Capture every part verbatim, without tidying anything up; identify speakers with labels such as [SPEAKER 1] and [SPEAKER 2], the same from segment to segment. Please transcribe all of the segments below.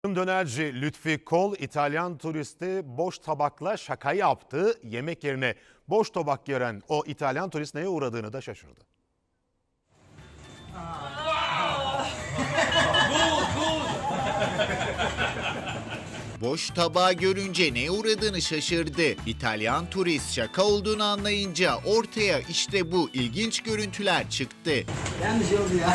[SPEAKER 1] Dönerci Lütfi Kol, İtalyan turisti boş tabakla şaka yaptı. Yemek yerine boş tabak gören o İtalyan turist neye uğradığını da şaşırdı.
[SPEAKER 2] Boş tabağı görünce neye uğradığını şaşırdı. İtalyan turist şaka olduğunu anlayınca ortaya işte bu ilginç görüntüler çıktı.
[SPEAKER 3] Yanlış oldu ya.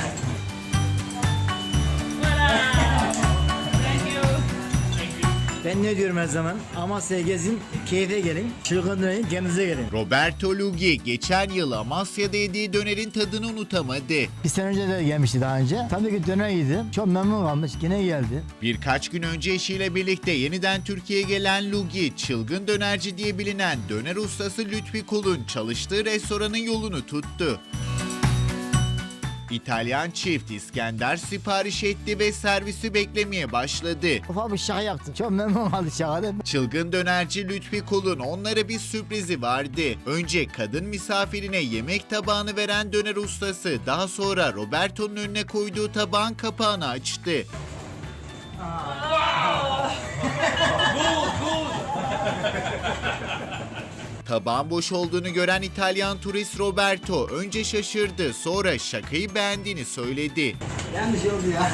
[SPEAKER 3] Ben ne diyorum her zaman? Amasya'ya gezin, keyfe gelin, çılgın dönerin, kendinize gelin.
[SPEAKER 2] Roberto Lugi geçen yıl Amasya'da yediği dönerin tadını unutamadı.
[SPEAKER 3] Bir sene önce de gelmişti daha önce. Tabii ki döner yedim. Çok memnun kalmış. Yine geldi.
[SPEAKER 2] Birkaç gün önce eşiyle birlikte yeniden Türkiye'ye gelen Lugi, çılgın dönerci diye bilinen döner ustası Lütfi Kol'un çalıştığı restoranın yolunu tuttu. İtalyan çift İskender sipariş etti ve servisi beklemeye başladı.
[SPEAKER 3] Ufak bir şaka yaptım. Çok memnun kaldı şakada.
[SPEAKER 2] Çılgın dönerci Lütfi Kol'un onlara bir sürprizi vardı. Önce kadın misafirine yemek tabağını veren döner ustası daha sonra Roberto'nun önüne koyduğu tabağın kapağını açtı. Tabağın boş olduğunu gören İtalyan turist Roberto önce şaşırdı, sonra şakayı beğendiğini söyledi.
[SPEAKER 3] Yanlış oldu ya.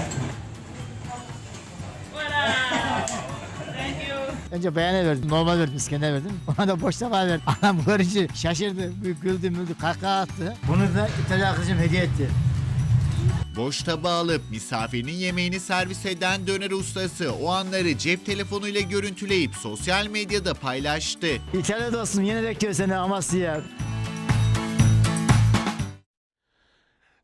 [SPEAKER 3] Önce beğene verdim, normal verdim, İskender verdim. Ona da boş tabağı verdim. Anam görünce şaşırdı, güldü müldü, kahkaha attı. Bunu da İtalyan arkadaşım hediye etti.
[SPEAKER 2] Boş tabağı alıp misafirinin yemeğini servis eden döner ustası o anları cep telefonuyla görüntüleyip sosyal medyada paylaştı.
[SPEAKER 3] İtalya dostum yine bekliyor seni Amasya'ya.